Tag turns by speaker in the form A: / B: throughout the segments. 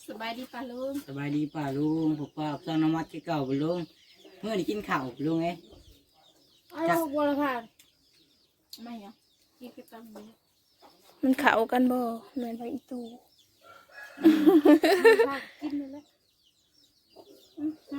A: สบายดีป่ะลุง
B: สบายดีป่าลุงผมป้าสร้างน้ำมัดที่เก่าบ่ลุงเมื่อนี้กินข้าวบ่ลุงไง
A: อ้าวบัวละผ่านไม่เหรอกินกระตังเลย
C: มันเข้ากันบ่เหมือนไปอีตู
A: กินเลยแหละครับ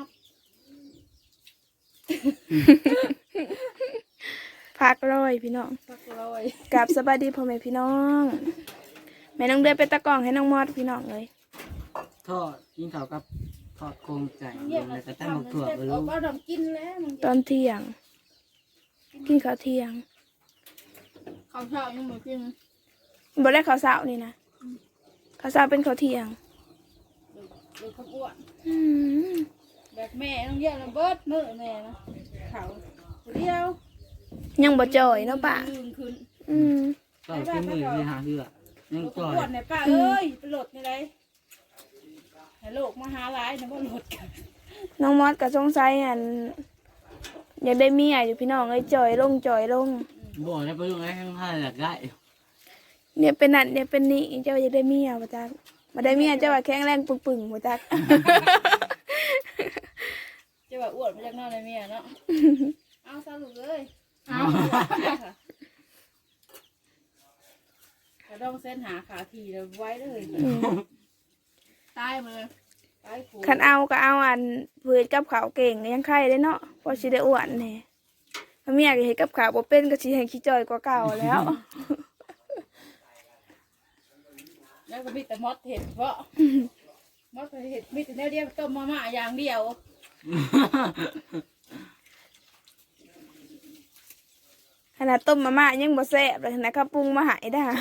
C: พักร้อยพี่น้อง
A: สักร้อย
C: กับสบายดีพ่อแม่พี่น้องแม่น้องเดือนเป็นตะกร้องให้น้องมอดพี่น้องเลย
B: ทอดกินข้าวกับทอดโครงไก่ลงแล้วก็ตั้งบักถั่วบ่
A: เอา
B: ลุง
A: เอาดำกินแล้ว
C: ตอนเที่ยง กินข้าวเที่ยง
A: ข้าวเช้ายังไม่กิน
C: บ่ได้ข้าวเช้านี่นะข้าวเช้าเป็นข้าวเที่ยง
A: เลยข้าวอ้วน
C: อืม
A: แบบแม่ต้องเยี่ยมนะเบิดมื้อแม่นะเขาเดียว
C: ยังบ่จ่อยเนาะป้า
A: ยืนขึ้น
C: อืม
B: ก็กินมื้อที่หาเหือยัง
A: ข้าว
B: จ่อย
A: อ้วนเนี่ยป้าเอ้ยไปโหลดในไรให้โลกมาหาหลายนะว่าโหลดกัน
C: น้องมอดก็สงสัยอันอยากได้เมียอยู่พี่น้องเอ้ยจ่อยลงจ่อยลง
B: บ่ได้บ่ลุงไงทั้งห้าอยากได้
C: เนี่ยเป็นนั่นเนี่ยเป็นนี่เจ้าอยากได้เมียบ่จักบ่ได้เมียเจ้าว่าแข็งแรงปึงๆบ่จัก
A: จะแบบอ้วนมาจากนอกในเมียเนาะ เอาสรุปเลยเอากระดองเส้นหาขาทีเลยไว้เลยตายมาเลยตายผูก
C: คันเอาก็เอาอันเพื่อกับข้าวเก่งยังไข่ได้เนาะพอสิได้อ้วนแหน่ถ้าเมียก็เฮ็ดกับข้าวบ่เป็นก็สิให้ขี้จ่อยกว่าเก่าแล้ว
A: แล้วก็มีแต่มดเห็ดเพราะมดเห็ดมีแต่แนวเดียวต้มมาม่าอย่างเดียว
C: ขนาดต้มมาม่ายังบ่แซ่บเลยนะข้าวปรุงมาใหายได้อ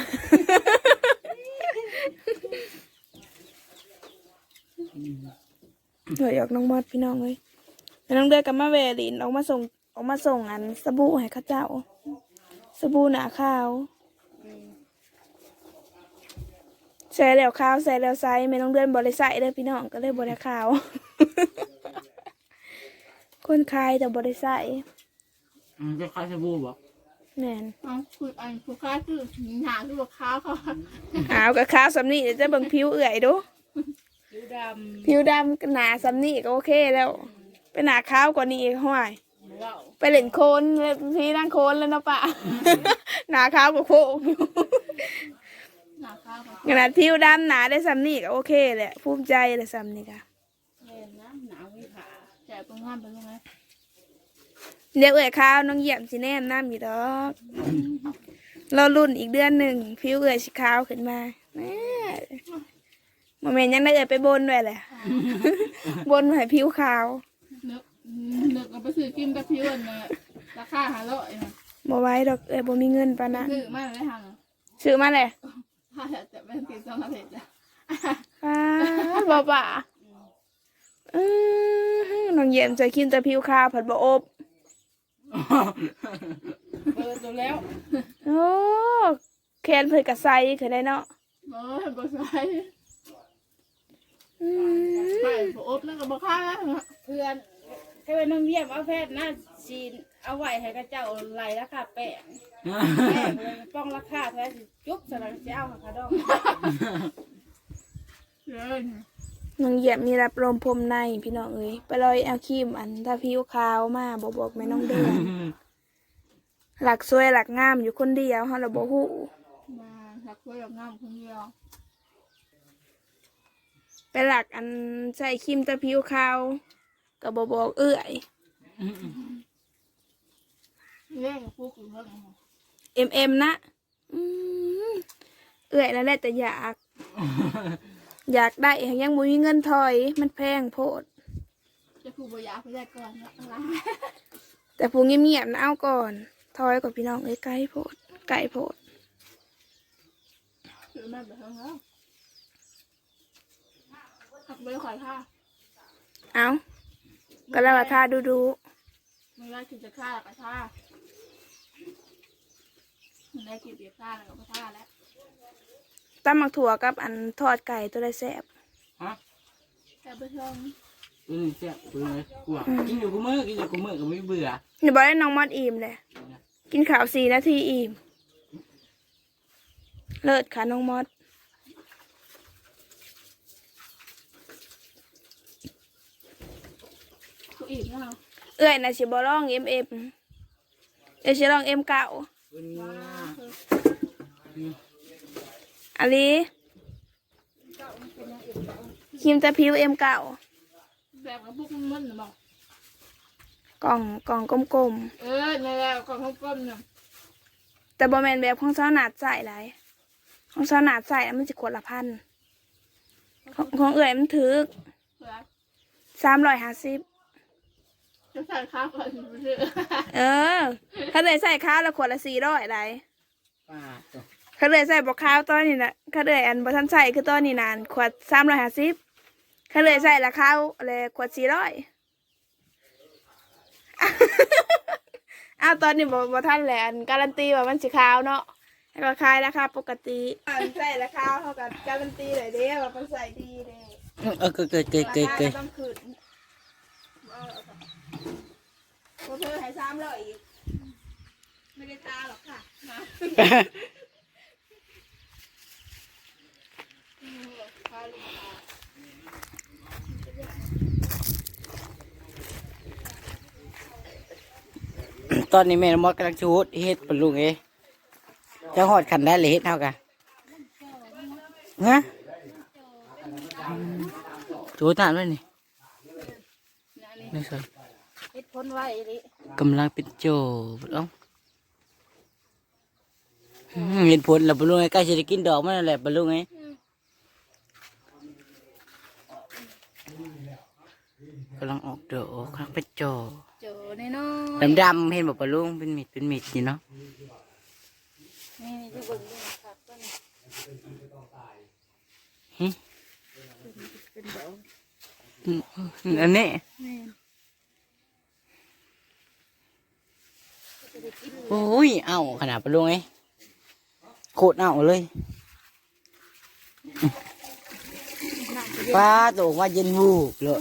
C: เดี๋ยวอยากน้องมอดพี่น้องเลยแล้วน้องเดือกับมาเวลินออกมาส่งอันสบู่ให้เข้าเจ้าสบู่หนาขาวใส่แล้วขาวใส่แล้วใสไม่น้องเดือนบริใส่เลยพี่น้องก็เลยบริขาว คนคายแต่บริใส่
B: จะคล้ายสบู่บ่
C: แน่น
A: เอาคืออันคือค้าคือหนาคือข้าวเขา
C: ขาวกับขาวสำนีเดี๋ยวจะเบิ่งผิวเอื่อยดู
A: ผิวด
C: ผิวดำหนาสำนีก็โอเคแล้วเป็นหนาขาวกว่านี้อีกห้วย
A: ำว้าว
C: ไปเล่นโคลนพี่นั่งโคลนแล้วเนาะปะ หนาขาวกว่าโคกอยู่
A: หนาข้าวเขา
C: ขนาดผิวดำหนาได้สำนีก็โอเคแหละภูมิใจเลยสำนีก็
A: เย็นนะหนาววิผาแจกตรงงานไปตรงไหน
C: เดี๋ยวเอื่อยข้าวน้องเยี่ยมสิแนมน้ำอยู่ดอกรอรุ่นอีกเดือนหนึ่งผิวเอื่อยสีขาวขึ้นมาแม่โมเมนต์ยังได้เอื่อยไปบนด้วยแหละ บนให้ผิวขาว
A: นึกเอาไปซื้อกินกับพี่อ้วนเนี่ยราคา500นะ
C: บ่ไหว้ดอกเอื่อยบ่มีเงินปานนั้น
A: ซื้อมาเลยค่ะ
C: ซื้อมาเลย
A: ถ้าจะเป็นติดสองอาทิตย์จ้ะ
C: ป้าบ่ป่าน้องเยี่ยมจะกินแต่ผิวขาวผัดบ่อบ
A: เปิดตัวแล้ว
C: โอ้แคนเพิ่นกะใส่คือได้เนาะ
A: บ่ใส่ไปบ่อบแล้วก็บ่ค่าเพื่อนให้ไปน้องเยี่ยมเอาแพทย์หน้าจีนเอาไว้ให้กับเจ้าไหลราคาแป้งเลยป้องราคาแท้สิจุ๊บสลังสิเอาค่ะดองเด้อ
C: น้องเยี่ยมมีรับลมพรมในพี่น้องเอ้ยไปลอยเอาครีมอันถ้าผิวขาวมาบอกแม่น้องเดือนหลักสวยหลักงามอยู่คนเดียวเฮาละบ่ฮู้
A: มาหักไว้กับงามคนเดียว
C: ไปหลักอันใส่ครีมแต่ผิวขาวก็บ่บอกเอื้อย
A: เล่นกับพวกอยู่เท่าไหร่
C: MM นะอืมเอื้อยนั่นแหละแต่อยากได้ยังบ่มีเงินถอยมันแพงโพด
A: จะผูกบอยากไปได้ก่อนนะอะไร
C: แต่ผู้เงียบๆนะเอาก่อนถอยกับพี่น้องเอ้ยไกลโพดไกลโพด
A: คือมันแบบนั้นแล้วหักไม่ขอยค่า
C: เอาก็แล้วว่าท่าดู
A: ไม่ได้กินจะค่ากับค่าไม่ได้กินเบียร์ค่าแล้วก็ค่าแล้ว
C: ๆตำหมักถั่วกับอันทอดไก่ตัวได้แซ่บ
B: ฮะ
A: แต่ไปชม
B: แซ่บกูเลยกลัวกินอยู่กูมื้อก็ไม่เบื่อ
C: อย่าบอกให้น้องมอดอิ่มเลยกินข้าว4 นาทีอิ่มเลิศค่ะน้องมอด
A: อีกนะ
C: เอื้อยน่ะสิบ่ร้องเอ็มเดี๋ยวสิร้องเอ็มเก่า
B: คุณนะ
C: อันนี้ครีมตะผิวเอ็มเก่า
A: แบบกับพวกมันหรือเปล่าก
C: ล่องกลม
A: ในแล้วกล่องก้มเนี่ย
C: ๆแต่บ่แม่นแบบของเจ้าหนาดใส่หลายของเจ้าหนาดใส่แล้วมันสิขวดละพันของเอื้อยมันถือ
A: เผื่อ
C: 350
A: จะใส่ข้าวก่อนไปซื้อ
C: เขาเลยใส่ข้าวแล้วขวดละ400หลาย
B: ป้าตัว
C: เขาเลยใส่บอกข้าวตอนนี้นะเขาเลยอันบ่ทันใส่คือตอนนี้นานขวด350เขาเลยใส่ละข้าวอะไรขวด400อ้าวตอนนี้บ่ทันแหละอันการันตีว่ามันสิขาวเนาะแล้วก็ขายราคาปกติใส่ละข้าวเท่ากับการันตีเลยเด้ว่ามันใส่ดีเด้
B: เกิด
C: ราคาต้องขึ้นพอเธอให้300อีกไม่ได้ตาหรอกค่ะ
B: ตอนนี้แม่มดกำลังชูดเฮ็ดปลุงจะหอดขันได้เลยเฮ็ดเท่ากันฮะชูดนานไหมนี่นี่สิ
A: เฮ็ดพ้นไว้ดิ
B: กำลังเป็นโจเอ้าเห็นผลแล้วปลุงใกล้จะได้กินดอกมันนั่นแหละปลุงกำลังออกดอกกำลังเป็นโจ
A: เจอแน่นอน
B: ดำเห็นบอกปลุงเป็นมิดอยู่เนาะ
A: นี่จะเบิ่งด้วยครับต้น
B: อันนี้
A: นี่
B: โอ้ยเอาขนาดปลุงโคตรเอาเลยป้าตัวว่าเย็นวูบเลย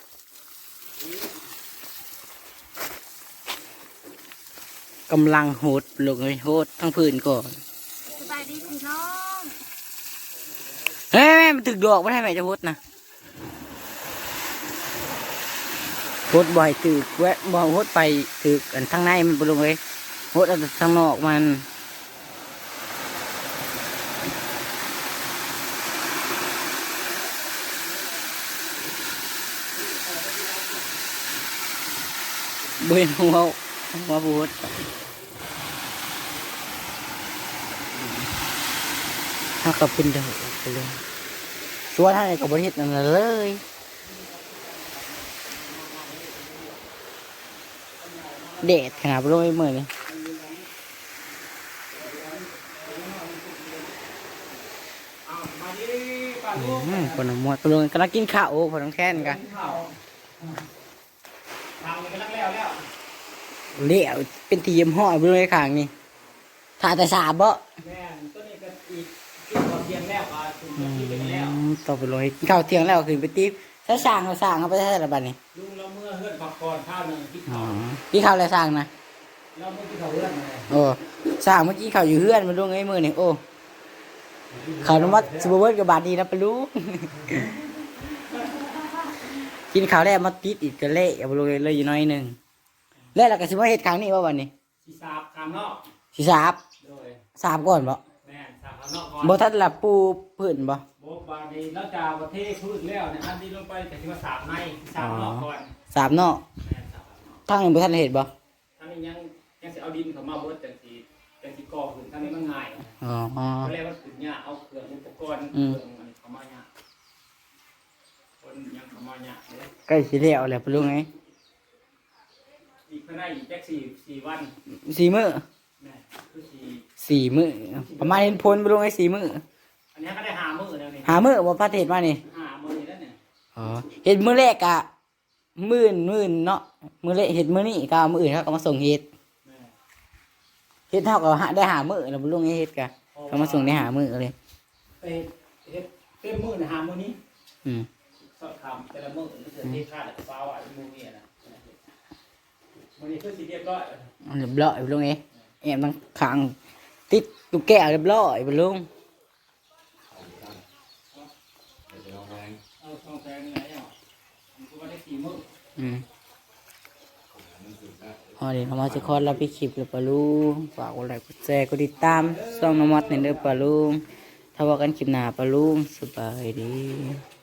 B: กำลังโหดลงเลยโหดทั้งพื้นก่อน
A: สบายดีพี่น้อง
B: เฮ้ยแม่มันถึกดอกไม่ให้แม่จะโหดนะโหดบ่อยถึกแวะบ่โหดไปถึกอันทั้งในมันปลงเลยโหดอันทั้งนอกมันเบิ่งหัวโหดถ้าก็เป็นเดือดไปเลยส่วนท่านกับบริษัทนั่นเลยเด็ดขนาดโรยมือเลยคนละมวดปลุงกำลังกินข้าวพอต้องแค้นกันเลี้ยวเป็นทีมห่อปลุงไอ้ขางนี่ถ่ายแต่สาบ่ต่อไปเลยข้าวเที่ยงแล้วขึ้นไปติ๊บถ้าสั่งเอาไปใช้ระบาดนี่
D: ลุงเราเมื่อเฮือนผักก่อนข้าวหนึ่งที่
B: อ๋อ
D: เขา
B: พี่ข้าวอะไรสั่งนะ
D: เราเมื่อที่เขาเฮือนมาเลย
B: โอ้สั่งเมื่อกี้ข้าวอยู่เฮือนมาลุงไอ้มือนี่โอ้ข้าวนวัดสุบเวิร์ดกับบาทดีนะปะลุง กินข้าวแล้วมาติดอีกก็เละเอาไปเลยอยู่น้อยหนึ่งแล้วเราก็สิว่าเฮ็ดครั้งนี้ว่าวันนี้
D: สีสาบข้างนอก
B: สิสาบ
D: โดย
B: สาบก่อนบ่
D: แม่นสาบข้างนอกก่อน
B: บ่ทันละปูพื้นบ่
D: โบบาดีแล้วจะประเทศพืชแล้วเนี่ยอันนี้ลงไปแต่ที่ว่าสาบในสาบนอกก่อน
B: สาบนอก
D: แม่นสาบข้างนอก
B: ทางนี้บ่ทันได้เฮ็ดบ่
D: ท่านนี้ยังจะเอาดินเขามาเบิดจังสีก่อขึ้นท่านนี้มันง่าย
B: อ๋อ
D: ก็เลยว่าขึ้นเนี่ยเอาเครื่องอุปกรณ์เครื่องมันเขามาเนี่ยคนยังเขามาเนี่ยเลย
B: ใกล้สิแล้วแหละปะลุงไอ้
D: อีกภายในอีกแค่สี่วัน
B: 4 มื้อ
D: แม่คือ
B: 4
D: สี่
B: มื้อประมาณเห็นผลปะลุงไอ้4 มื้อ
D: อันนี้ก็ได้5 มื้อแล้วนี่
B: 5 มื้อบ่พาเฮ็ดมานี่
D: 5 มื้อแล้วเนี่ย
B: อ๋อเฮ็ดมื้อแรกอะมื้อเนาะมื้อแรกเฮ็ดมื้อนี้ก็เอามื้ออื่นเขาก็มาส่งเฮ็ด
D: แม่
B: เฮ็ดเท่ากับได้หามื้อแล้วบ่ลุงเฮ็ดกะเขามาส่งได้หามื้อเลย
D: ไปเฮ็ดเต็มมื้อนะ5 มื้อนี้
B: อืม
D: สอบถามแต่ละมื้อนี่คือที่ค่าแล้วก็ฟ้าว่ามื้อนี้นะมื้อนี้คือสิเรียบร้อย
B: เรียบร้อยบ่ลุงเอ้แอมตั้งขังติดลูกแก้วเรียบร้อยบ่ลุง
D: เอาทองแพงนี่ไงอ่ะมันก็ว่าได้4 มื้อ
B: อืมอ๋อเดี๋ยวน้องมอสจะคลอดรับพี่คลิปเลยปะลุงฝากกดไลค์กดแชร์กดติดตามช่องน้องมอสในเด้อปะลุงถ้าว่ากันคลิปหน้าปะลุงสบายดี